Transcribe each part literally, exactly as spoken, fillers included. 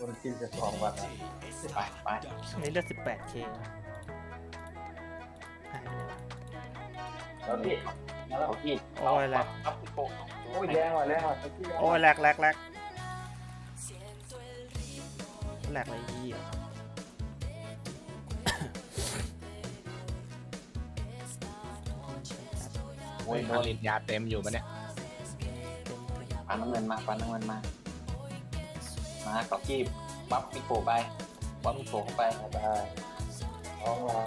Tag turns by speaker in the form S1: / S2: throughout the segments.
S1: คนกินจะสองวันไปไป
S2: นี่ได้สิบแปดเคหายไปไหนวะ
S1: แล้วพี่มาแล้วพี่
S2: โอ้ยแหลก
S1: ครับพี่โป๊ะโอ้ยแรงว่ะแรงว่ะ
S2: โอ้ยแหลกแหลกแหลกแหลกอะไรยี่อ่ะ
S3: โอ้ยผลิตยาเต็มอยู่ปะเนี่ย
S1: ปันน้ำเงินมาปันน้ำเงินมามาเกาะกี้บัฟพี่โป๊ะไปบัฟพี่โป๊ะเข้าไปได้ท้องหลา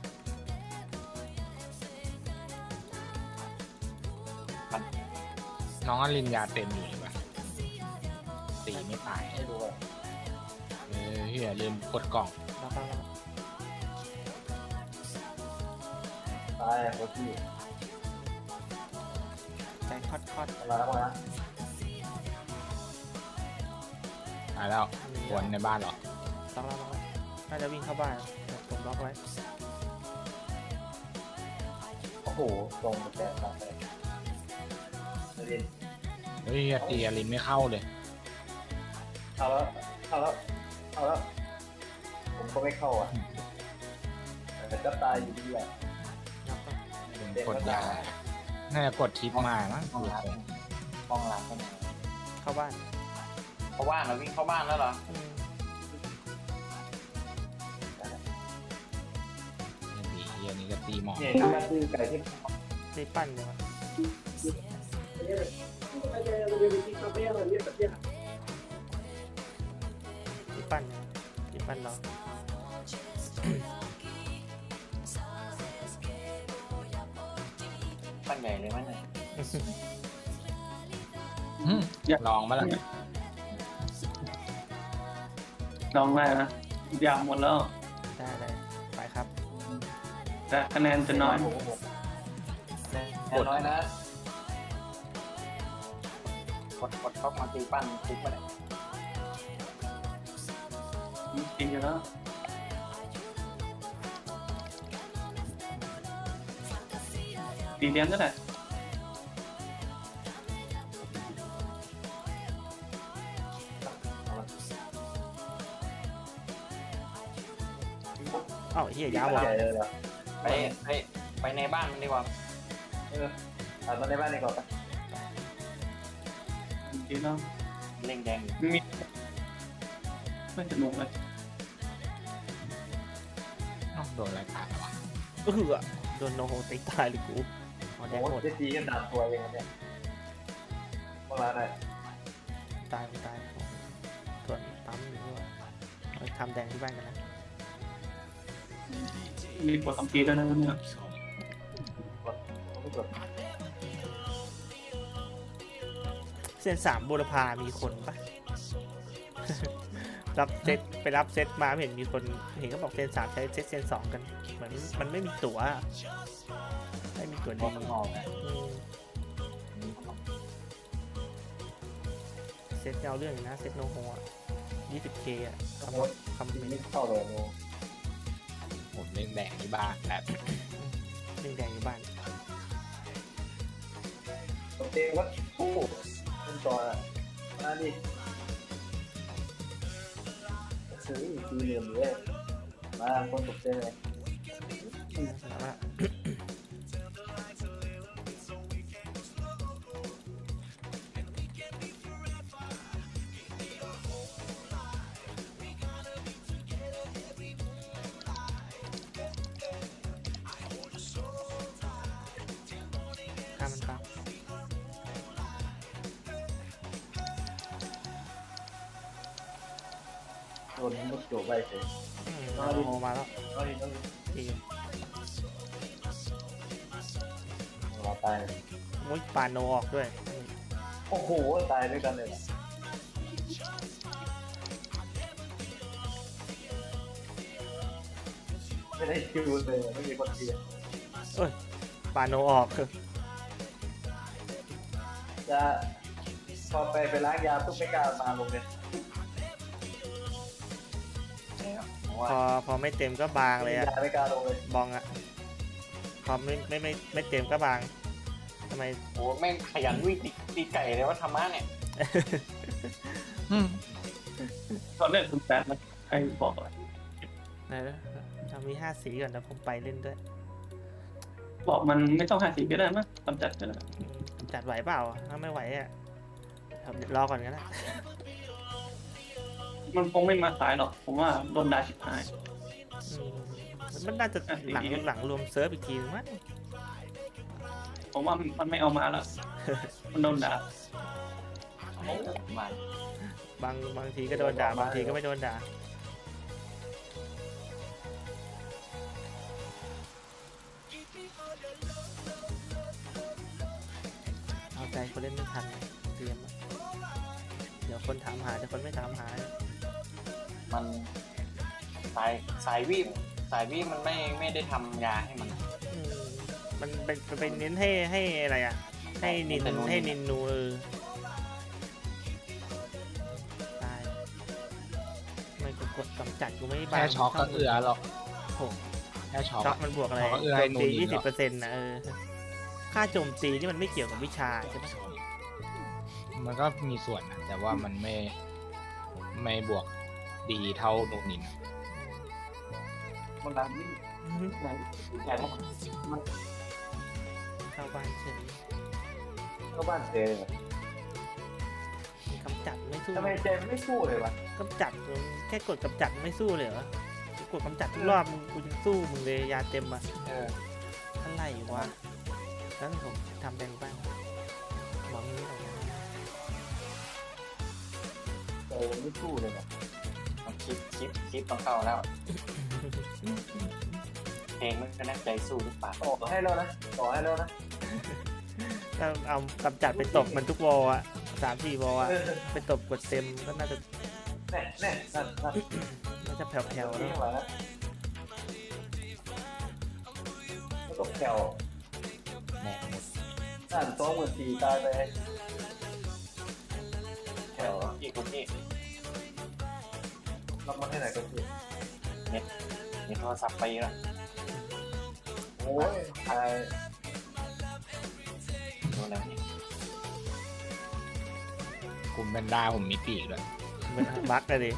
S3: น้องอลินยาเต็มอยู่เลยปะตีไม่ตาย
S1: ให้ดูอ่ะ
S3: เออเฮียลืมกดกล่อง
S2: แล้วก็แล้ว
S1: ตายเกาะกี้
S2: ใจคอดคอด
S1: มาแล้วมา
S3: ตายแล้ววนในบ้านเหรอ
S2: ล็อกแล้วล็อกแล้วน่าจะวิ่งเข้าบ้านผมล็อกไว้
S1: โอ้โหตรงแตะตาแตะเรียน
S3: เฮ้ยเฮียตีอลินไม่เข้าเลย
S1: เข้าแล้วเข้าแล้วเข้าแล้วผมก็ไม่เข้าอ่ะแต่ก็ตายอยู่ดีแหละ
S2: ล็อกแล้ว
S3: กดยาน่าจะกดทิปมามั้ง
S1: ห้องร้านห้องร้านก็มา
S2: เข้าบ้าน
S1: เข้าบ้านแล้ววิ่งเข้าบ้านแล้วเหรอ
S2: อืม
S3: เฮียนี่ก็ตีหมอ
S1: เนี่ยนี่ก็คือไก่ที่
S2: ได้ปั้นเลยวะที่ปั้นเนี่ยที่ปั้นเรา
S1: ปั้นใหญ่เลยมั้ยเนี่ย
S3: อืมลองมาแล้ว
S4: ลองได้นะยาวหมดแล้ว
S2: ได้เลยไปครับ
S4: แต่คะแนนจะน้อย
S1: แน่น้อยนะกดกดเข้ามาตีปั้นติ๊กมาเลย
S4: จริงอยู่แล้วตีเลี้ยงก็ได้
S2: เอ้าเฮียยาวว่ะ
S1: ใหญ่เลยเหรอไปไปไปในบ้านมันดีกว่าเออเอามาในบ้านดีกว่า
S4: จริงๆแล้ว
S1: เล่งแดง
S4: มีไม่สนุกเลย
S3: อ้าวโดนอะไรตายวะ
S2: เออโดนโนโฮตีตายเลยกูอ๋อแดง
S1: โอ้
S2: หมด
S1: จะตีกันดาบตัวเองเนี่ยเมื่อไรได้
S2: ตายตายส่วนปั๊มหรือว่าเอาทำแดงที่บ้านกันนะ
S4: มีกดสองทีแล้วนะเนี่ย
S1: กดไม่กด
S2: เส้นสามบุรพามีคนปะ รับเซตไปรับเซตมาไม่เห็นมีคนเห็นก็บอกเซนสามใช้เซตเซนสองกันเหมือนมันไม่มีตั๋วไม่มีตั๋ว
S1: บ
S2: ดี
S1: อกข้างนอกนะ
S2: อืมเซตเอาเรื่องอยู่นะเซตโนโฮอ่ะ ยี่สิบเค อ่ะคำคำ
S1: ตี
S2: เป็น
S1: ไม่เข้าเลยโน
S3: ผมเล่นแดงที่บ้านแบบ
S2: เรื่องแดงอยู่บ้าน
S1: ตัวเองว่าโอ้เป็นตัวอ่ะมาดิซื้อตีเหลี่ยมเลยมาคนตกใจเลย
S2: แล้วว่าข้ามมันปั๊บ
S1: โดนมุดโจไปเฉย
S2: อืมโนโฮมาแล้ว
S1: เอาดิเอาดิ
S2: ดีอยู่
S1: เราตาย
S2: มุ้ยปานโนออกด้วย
S1: โอ้โหตายด้วยกันเลยไม่ได้คิวเลยไม่มีคนเทีย
S2: ปานโนออกคือ
S1: จะพอไปไปล้างยาปุ๊บไม่กล้ามาลงเลยเพราะว่า
S2: พอพอไม่เต็มก็บางเลยอะ
S1: ยาไม่กล้าลงเลย
S2: บองอะพอไม่ไม่ไม่ไม่เต็มก็บางทำไม
S1: โอ้แม่งขยันวิ่งตีตีไก่เลยว่าธรรมะเนี่ย
S3: อืม
S4: ตอนเล่นคุณแปดนะใครบอกอะไร
S2: ไหนนะเรามีห้าสีก่อนนะผมไปเล่นด้วย
S4: บอกมันไม่ต้องหาสีก็ได้มั้งกำจัดก็ได้
S2: อืมจัดไหวเปล่าถ้าไม่ไหวอ่ะครับรอก่อนก็ได้
S4: มันคงไม่มาสายหรอกผมว่าโดนด่าชิบหาย
S2: อืมมันน่าจะหลังหลังรวมเซิร์ฟอีกทีนึงมั้ง
S4: ผมว่ามันไม่เอามาแล้ว มันโดนด่า
S1: มา
S2: บางบางทีก็โดนด่าบางทีก็ไม่โดนด่าเอาใจคนเล่นไม่ทันนะเตรียมอะเดี๋ยวคนถามหาเดี๋ยวคนไม่ถามหา
S1: มันสายสายวีบสายวีบมันไม่ไม่ได้ทำยาให้มัน
S2: อืมมันเป็นมันเป็นเน้นให้ให้อะไรอ่ะ ให้นิน
S1: ให้นูน
S2: ให้นินนูเออตายไม่กดกดกำจัดกูไม่บาง
S3: แค่ช็อกก็เอือหรอก
S2: โอ้
S3: แค่ช็อก
S2: ช็อก
S3: อะ
S2: มันบวกอะไร
S3: ช็อกก็เอื้อ
S2: โจ
S3: ให้
S2: ม
S3: นูน
S2: ตี
S3: อี
S2: ยี่
S3: ก
S2: สิบ
S3: เห
S2: เป
S3: ร
S2: อร์เซ็นต์นะเออค่าโจมตีนี่มันไม่เกี่ยวกับวิชาใช่ไหม
S3: มันก็มีส่วนนะแต่ว่ามันไม่ไม่บวกดีเท่าโนนินอะ
S1: มันดังนี่ไหนแย่มัน
S2: เข้าบ้านเฉย
S1: ก็บ้านเจเลย
S2: กำจัดไม่สู้
S1: ทำไมเจมไม่สู้เลยวะ
S2: กำจัดมึงแค่กดกำจัดไม่สู้เลยเหรอ กดกำจัดทุกรอบมึงกูยังสู้มึงเลยยาเต็มอ่ะ
S1: เออ
S2: อะไรวะแล้วผมทำเป็นบ้างหวังนี้ออกมา
S1: เจมไม่สู้เลยวะคลิปคลิปคลิปต้องเข้าแล้วเพลงมันก็น่าใจสู้หรือเปล่าต่อให้แล้วนะต่อให้แล้วนะ
S2: ถ้าเอากำจัดไปตบมันทุกวอลอ่ะสามสี่วอลอ่ะไปตบกดเต็มก็น่าจะ
S1: แน่แน่นั่นนั่น
S2: น่าจะแผ่วๆ
S1: นี่
S2: แล้ว
S1: มาแล้วไม่ต้องแถว
S3: แหม่หมด
S1: นั่นสองหมื่นสี่ตายไปแถวอีกคนนี้รับมาให้ไหนก็คือเน็ตมีโทรศัพท์ไปแล้วโอ้ยตายโดนแล้วนี่
S3: คุณแบนด้าผมมีปีกด้วย
S2: มันบั๊กเลยดิ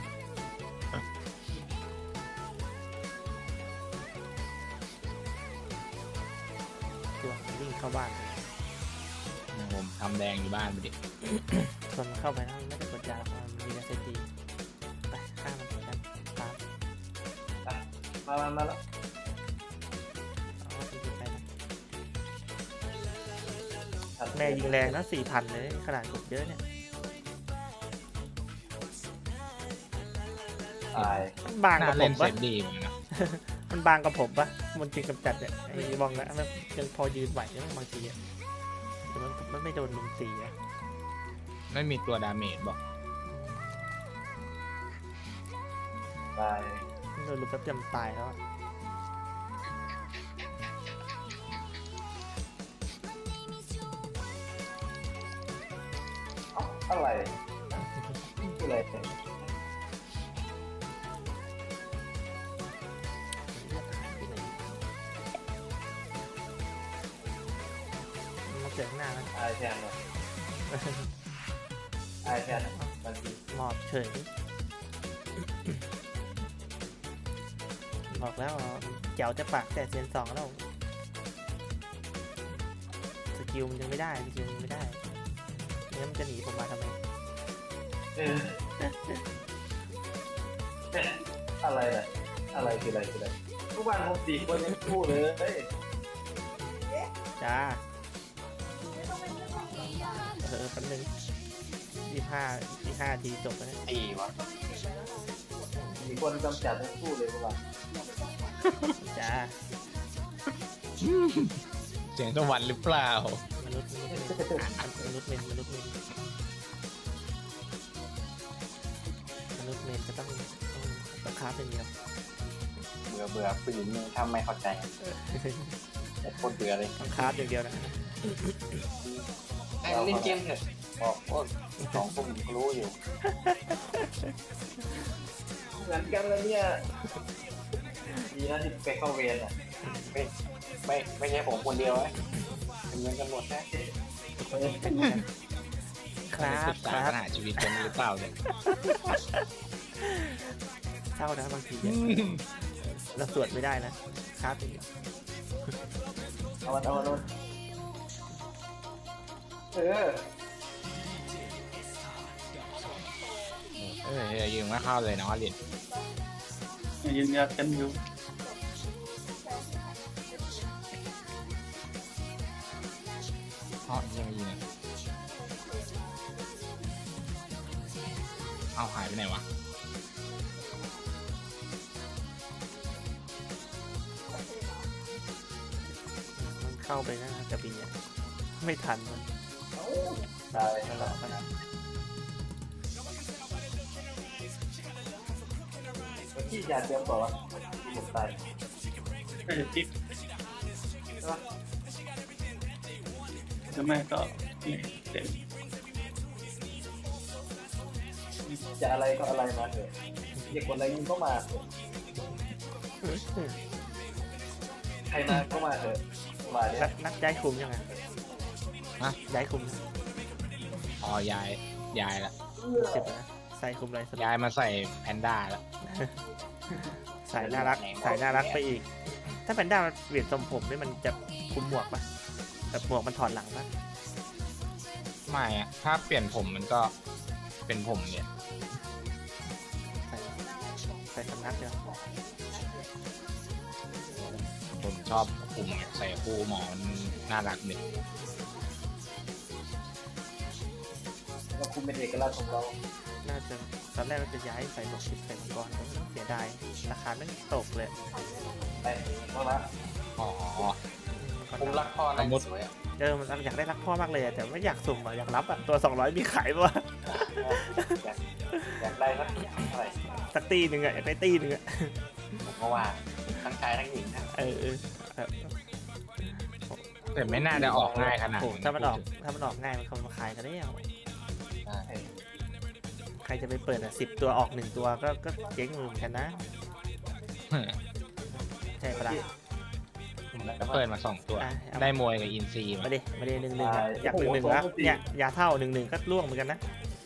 S2: ตัวมันวิ่งเข้าบ้านเลย
S3: ผมทำแดงอยู่บ้านไปดิ
S2: ส่วนมันเข้าไปนะมันไม่ได้กดยาหรอกมันมียาเสพติดไปฆ่ามันเหมือนกันตาม
S1: มามามาแล้ว
S2: เอาไปยิงไปนะแม่ยิงแรงนะสี่พันเลยขนาดกดเยอะเนี่ย
S1: ตาย
S2: มันบาง
S3: น่า
S2: กับผ
S3: เล่น
S2: ม
S3: เซ
S2: ปะ
S3: ฟดีเหมือนกันนะ
S2: มันบางกับผมปะมันจริงกำจัดเนี่ยไอ้บองนะมันยังพอยืนไหวนะบางทีอะแต่มันมันไม่โดนลุมตีอะ
S3: ไม่มีตัวดาเมจบอก
S1: ตาย
S2: โดนลุมแป๊บเดียวมันตายแล้วอะ
S1: เอ้าอะไรคืออะไร
S2: มาเจอข้างหน้าแล้ว
S1: ตายแทนเลยตายแทนบางที
S2: หมอบเฉยบอกแล้วอ่ะเจ๋วจะปากแต่เซียนสองแล้วสกิลมันยังไม่ได้สกิลมันยังไม่ได้งั้นมันจะหนีผมมาทำไม
S1: เอออะไรน่ะอะไรคืออะไรคืออะไรทุกวันผมสี่คนยังพูดเลย
S2: จ้าเออแป๊บนึงยี่ห้ายี่ห้าทีจบแล้วเนี่ย
S1: ตีวะสี่คนกำจัดทั้งคู่เลยทุกวัน
S2: จ้า
S3: เสียงสวรรค์หรือเปล่า
S2: มนุษย์มนุษย์เมนมนุษย์เมนมนุษย์เมนจะต้องต้องต้องค้าเป็นเดียว
S1: เบื่อเบื่อผู้หญิงนี่ทำไม่เข้าใจโคตรเบื่อเลย
S2: ต้องค้าอย่างเดียวนะ
S1: ให้เล่นเกมเถอะบอกว่าสองคนผมรู้อยู่เหมือนกันแล้วเนี่ยดีนะที่ไปเข้าเวรอ่ะไม่ไม่ไม่ใช่ผมคนเดียวนะเป็นเหมือนกันหมดนะ
S2: ครับ
S3: ศึก
S2: ค
S3: ษา
S2: รับ
S3: ปัญหาชีวิตกันหรือเปล่าเนี่ย
S2: ศร้านะบางทีอะเราสวดไม่ได้นะครับ
S1: เอามันเอามันเอามันเออ
S3: เออยิงไม่เข้าเลยเนาะลิน
S4: ยืนยันกันอยู่
S3: อ๋อยังไม่ยิงเลยเอาหายไปไหนวะ
S2: มันเข้าไปนะกระบี่อะไม่ทันมัน
S1: ตายนั่นแหละที่ยาเตรียมต่อวะที่ผมตาย
S4: เออจิ๊บ
S1: ใช่ปะ
S4: จะไม่ก็นี่เต็ม
S1: จะอะไรก็อะไรมาเถอะอย่ากดอะไรยิงเข้ามาเถอะใครมาก็มาเถอะมาเนี่
S2: นั
S1: ย
S2: กนักย้ายคุมยังไง
S3: ฮะ
S2: ย้ายคุม
S3: อ๋อยายยายละ
S2: เจ็บนะใส่คุมอะไรส
S3: ยายมาใส่แพนด้าละ
S2: สายน่ารักสายน่ารักไปอีก ถ้าแพนด้ามันเปลี่ยนทรงผมนี่มันจะคุมหมวกปะแบบหมวกมันถอดหลังปะ
S3: ไม่อะถ้าเปลี่ยนผมมันก็เป็นผมเนี่ย
S2: ใส่ใส่สำนักเนี่ย
S3: ผมชอบผมใส่คู่หมอมันน่ารักเด็ก
S1: เราคุมเป็นเอกลักษณ์ของเรา
S2: น่าจะตอนแรกเราจะย้ายใส่หมวกคิดใส่มังกรแต่เสียดายราคาไม่ตกเลย
S1: ไปเข้ามา
S3: อ๋อ
S1: คุมรักพ่อนะสวยอ่ะ
S2: เออมันอยากได้รักพ่อมากเลยอะแต่ไม่อยากสุ่มอะอยากรับอะตัวสองร้อยมีขายปะวะ
S1: อยากอยากได้สักเท่าไหร่
S2: สักตีหนึ่งอะอยากได้ตีหนึ่งอะ
S1: ผมก็ว่าทั้งชายทั้งหญิงนะ
S2: เออเออเออ
S3: แต่ไม่น่าจะออกง่ายขนาด
S2: โอ้โหถ้ามันออกถ้ามันออกง่ายมันคงมาขายกันได้ว
S1: ใช่
S2: ใครจะไปเปิดอ่ะสิบตัวออกหนึ่งตัวก็ก็เจ๊งเหมือนกันนะใช่ปะล่ะ
S3: ก็เปิดมาสองตัว
S2: อ่ะเอา
S3: ได้มวยกับอินซี
S2: มา
S3: มา
S2: ดิมาดิหนึ่งหนึ่งอะอยากหนึ่งหนึ่งแล้วเนี่ยยาเท่าหนึ่งหนึ่งก็ล่วงเหมือนกันนะ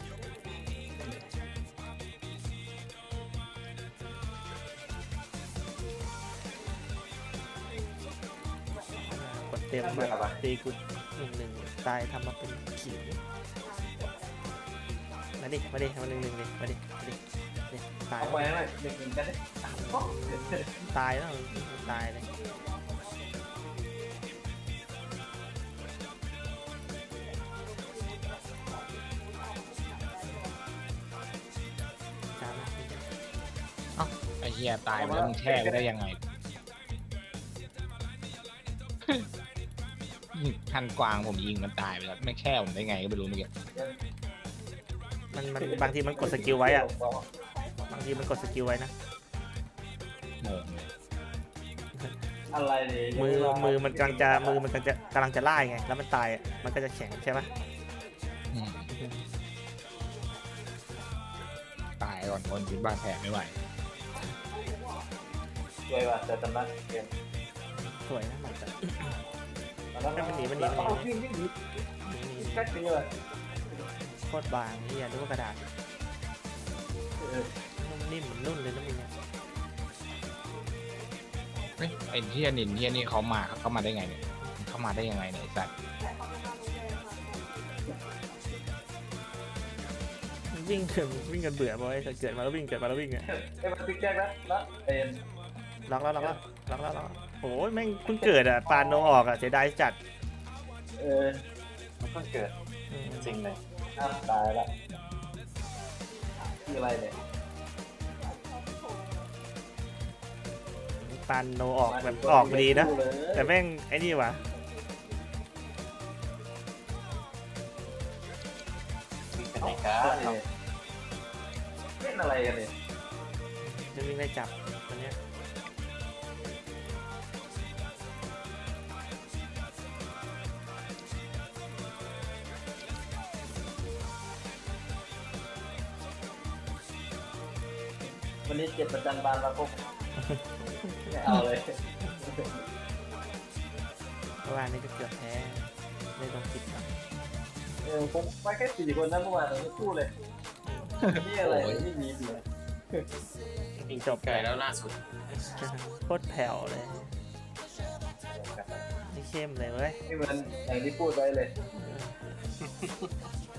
S2: กดเต็มมาตีกูหนึ่งหนึ่งตายทำมาเป็นขิงมาดิมาดิมาหนึ่งหนึ่งดิมาดิมาดิดิตาย
S1: เอาไปหน่อยหนึ่งหนึ่งกันดิ
S2: ตายแล้วตายเลยตามมา
S3: ไอ้เหี้ยตายไปแล้วมึงแช่ไปได้ยังไงยิงทันกวางผมยิงมันตายไปแล้วไม่แช่ผมได้ไงก็ไม่รู้เมื่อกี้
S2: มันมันบางทีมันกดสกิลไว้อะบางทีมันกดสกิลไว้นะ
S3: งงเลย
S1: อะไรเนี่ย
S2: มือมือมันกำลังจะมือมันกำลังจะกำลังจะไล่ไงแล้วมันตายอะมันก็จะแข็งใช่ไหม
S3: อืมตายก่อนคนคิดบ้านแผลไม่ไหว
S1: สวยว่ะแต่ตำนานเกม
S2: สวยนะมันจะ
S1: มันหนีมันหนีมันหนีวิ่งวิ่งหนีแค่นี้เลย
S2: โคตรบางนี่อย่าดูว่ากระดาษนุ่มนิ่มเหมือนนุ่นเลยนะมึงเนี่ย
S3: เฮ้ยไอ้เฮียนินเฮียนี่เขามาเขามาได้ไงเนี่ยเขามาได้ยังไงเนี่ยไอ้สัตว์
S2: วิ่งกันวิ่งกันเบื่อบ่อยเกิดมาแล้ววิ่งเกิดมาแล้ววิ่งอะ
S1: ไอ้มันติ๊กแจ๊กนะนะเอ็น
S2: ล็อกแล้วล็อกแล้วล็อกแล้วล็อกแล้วโอ้ยแม่งเพิ่งเกิดอะปานโนออกอะเสียดายจัด
S1: เออมันเพิ่งเกิด
S2: อืม
S1: จริงเลยอ้าวตายละคืออะไรเนี่ย
S2: ปานโนออกแบบออกดีนะ แต่แม่งไอ้นี่วะ
S1: เป็นไหนกันเล่นอะไรกันเนี่ย
S2: จะวิ่งไล่จับตัวเนี้ย
S1: วันนี้เจ็บประจันบานมาพบไม่เอาเลย
S2: เมื่อวานนี้ก็เกือบแพ้ได้ลงคิดครับ
S1: เออผมไปแค่สี่คนนะเมื่อวานเราไม่พูดเลยนี่อะไรไม่มีเลยวิ่ง
S2: จบ
S1: ไกลแล้วล่าสุด
S2: โคตรแผ่วเลยนี่เข้มเลยเว้ย
S5: นี่มันอย่างที่พูดไว้เลย